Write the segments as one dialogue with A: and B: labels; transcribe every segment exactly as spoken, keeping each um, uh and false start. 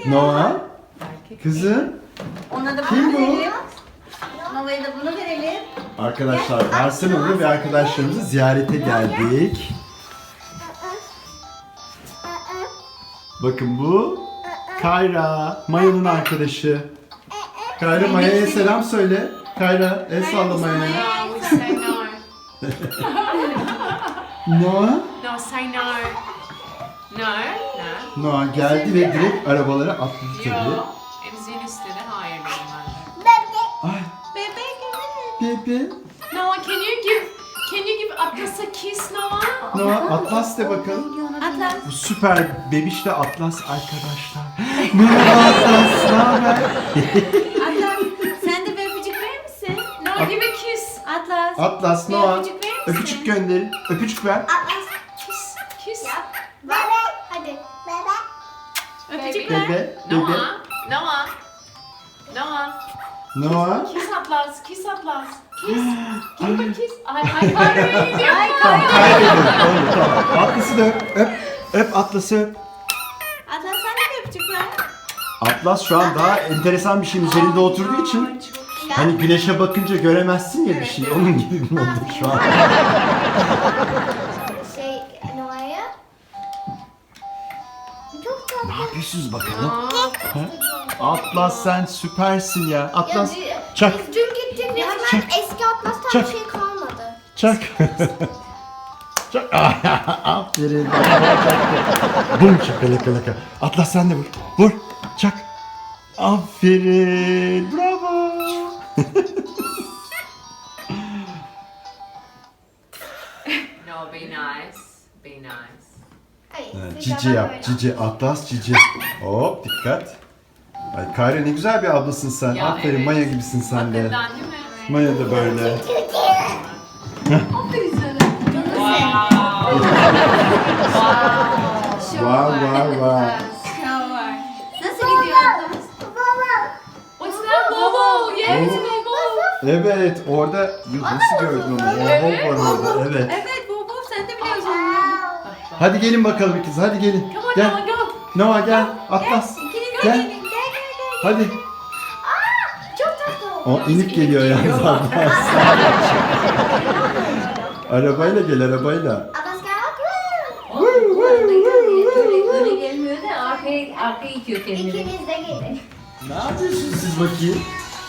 A: Noah. Kızım.
B: Ona da
A: Kim
B: bunu
A: bu?
B: verelim. Noah'ya da bunu verelim.
A: Arkadaşlar Barcelona'da ve arkadaşlarımızı ziyarete geldik. Bakın bu Kayra, Maya'nın arkadaşı. Kayra Maya'ya selam söyle. Kayra el salla Maya'ya.
C: No, we say no.
A: Noah.
C: No, say no. No, no.
A: Noah geldi ve direkt arabalara atladı tabii.
C: Yo. Emzin istedi. Hayır dedim ben de.
A: Ay
B: Bebek.
A: bebe.
C: Noah, can you give can you give Atlas a kiss, Noah?
A: Noah Atlas de bakalım.
B: Atlas.
A: Bu süper bebişle Atlas arkadaşlar. Merhaba Atlas, ne haber?
B: Atlas. Sen de bir öpücük verir misin?
C: Noah, give a kiss.
B: Atlas.
A: Atlas,
B: Bir
A: Noah.
B: öpücük verir misin?
A: Öpücük gönderin. Öpücük ver.
B: Atlas.
C: Kiss, kiss.
B: Bebe. Hadi. Bebe. Öpücük ver.
A: Bebe, bebe.
C: Noah, Noah, Noah.
A: Noah.
C: Kiss Atlas, kiss Atlas. Kiss. Give a kiss. Ay, ay, Kayra. Ay,
A: Tamam, kaybediyorum. Tamam, tamam. Atlas'ı da öp. Öp. Öp Atlas'ı öp.
B: Atlas sen de bir öpücük ver.
A: Atlas şu an daha enteresan bir şeyin üzerinde oturduğu için hani güneşe bakınca göremezsin ya bir şey. Onun gibi bir oldu şu an.
B: Şey Noah'ya. Çok tatlı.
A: Ne yapıyorsunuz bakalım? Ha? Atlas sen süpersin ya. Atlas
B: Ya,
A: çak
B: Biz dün gittik resmen eski Atlas'tan
A: Çak.
B: bir şey kalmadı.
A: çak. Çak. Aferin. Bum çak laka laka. Atlas sen de vur. Vur. Çak. Aferin. Bravo.
C: No, be nice. Be nice.
B: Hayır,
A: Evet,
B: biz
A: Cici
B: ama
A: yap.
B: böyle.
A: Cici. Atlas cici. Hop dikkat. Ay Kayra ne güzel bir ablasın sen.
C: Ya,
A: Aferin
C: evet.
A: Maya gibisin sen de.
C: Hakikaten değil mi?
A: Maya da böyle.
C: Aferin sana.
A: Var var var.
B: Shower. Nasıl gidiyor Atlas?
C: What's that? Bobo. Yes, Bobo.
A: Evet orada nasıl gördün onu?
C: Evet.
A: Oho var orada. Evet.
B: Evet Bobo sen de biliyorsun onu.
A: Hadi gelin bakalım kız. Hadi gelin.
C: Come on,
A: Gel.
C: Noah, go.
A: Noah gel. Atlas.
B: İkiniz de
A: Gel.
B: gelin. Gel gel gel.
A: Hadi.
B: Aa, çok tatlı.
A: O inip geliyor yalnız Atlas. Arabayla gel arabayla.
B: Atlas gel.
D: Öyle gelmiyor da arkaya, arkaya itiyor kendini.
B: İkiniz de gelin.
A: Ne yapıyorsunuz siz bakayım?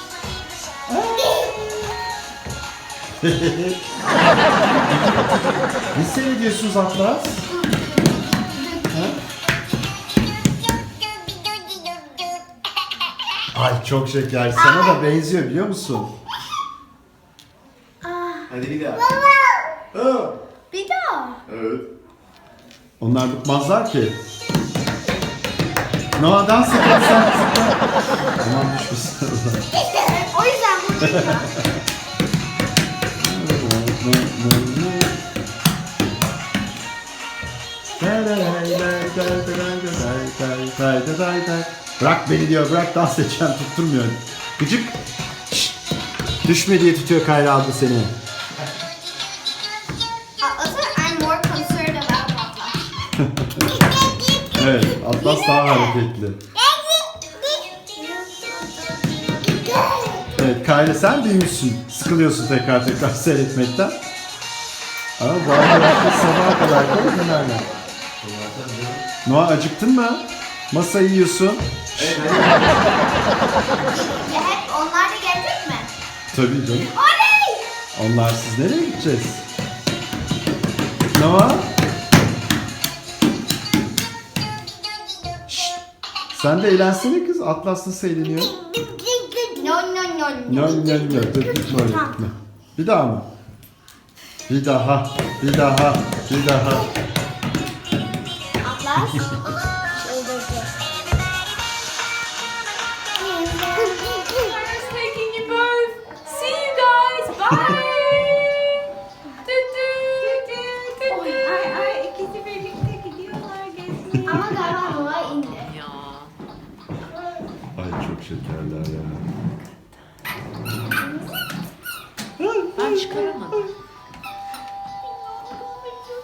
A: Ne seyrediyorsunuz Atlas? Ha? Ay çok şeker. Sana da benziyor biliyor musun? Hadi bir daha. Aa,
B: Bir daha.
A: evet. Onlar bıkmazlar ki. Noah dans et hadi sen zıpla. Aman düşmesin.
B: O yüzden buradayım.
A: Bırak beni diyor, bırak dans edeceğim, tutturmuyor. Gıcık. Şşt. Düşme diye tutuyor Kayra abla seni.
B: Atlas'a I'm more concerned about Atlas.
A: Evet, Atlas daha hareketli. Evet, Kayra sen büyümüşsün. Sıkılıyorsun tekrar tekrar seyretmekten. Ama bu arkadaşlar sabaha kadar da dönerler. Noah acıktın mı? Masayı yiyorsun.
B: Ya hep onlar da gelecek mi?
A: Tabii canım.
B: Oley!
A: Onlar siz nereye gideceğiz? Noah? Şşt! Sen de eğlensene kız. Atlas nasıl eğleniyor?
B: No no no
A: No no no. Dur gitme oraya gitme. Bir daha mı? Bir daha. Bir daha. Bir daha.
B: Atlas.
C: Kayra's taking you both. See you guys. Bye. Du, du, du, du, du.
B: Ay ay ikisi birlikte gidiyorlar gezmeye. Ama galiba Noah indi.
C: Ya.
A: Ay çok şekerler ya.
C: Ben çıkaramadım.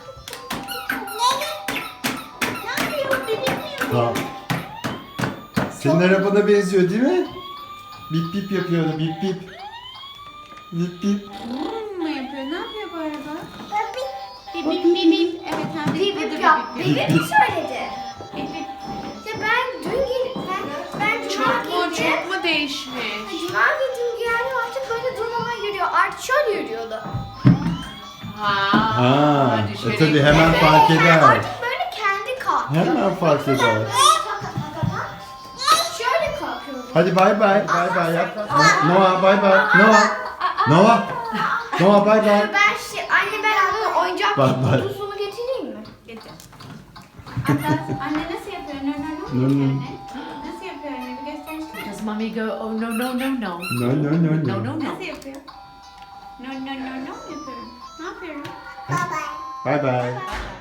B: Ne yapıyor? Bebek mi yapıyor?
A: Tamam. Senin arabana benziyor değil mi? Bip bip yapıyordu, bip bip. Bip bip.
C: Hmm, mu yapıyor? Ne yapıyor bu araba?
B: Bip
C: Bip bip bip bip. Evet hem de
B: bip
C: burada
B: bip yap.
C: bip
B: Bip
C: bip.
B: bip mi söyledi?
C: Bip bip.
B: Ya ben dün gel ben, ben cuma
C: Çok mu
B: gittim.
C: çok mu değişmiş?
B: Cuma gittim geldim artık böyle durmadan yürüyor. Artık şöyle yürüyordu.
C: Ha.
A: Ha,
C: düşerek.
A: e tabii hemen fark
B: Yani
A: eder.
B: artık böyle kendi kalkıyor.
A: Hemen fark eder.
B: Böyle taka taka şöyle kalkıyordu.
A: Hadi bay bay, bay bay yap. Noah bay bay. Noah. Noah. Noah bay bay.
B: Ben şey, anne ben anne oyuncak
A: Bak, bak.
B: kutusunu getireyim mi?
C: Getir. Anne, anne nasıl yapıyor? No no no.
A: No, no.
C: Anne. Nasıl yapıyor anne? Bir göstersene.
D: Does mommy go, oh no, no, no, no.
A: No no no
D: No,
A: no.
D: no, no.
C: Nasıl yapıyor? No no no no yapıyorum. Ne yapıyorum?
B: Bye bye.
A: Bay bay.
C: Bye.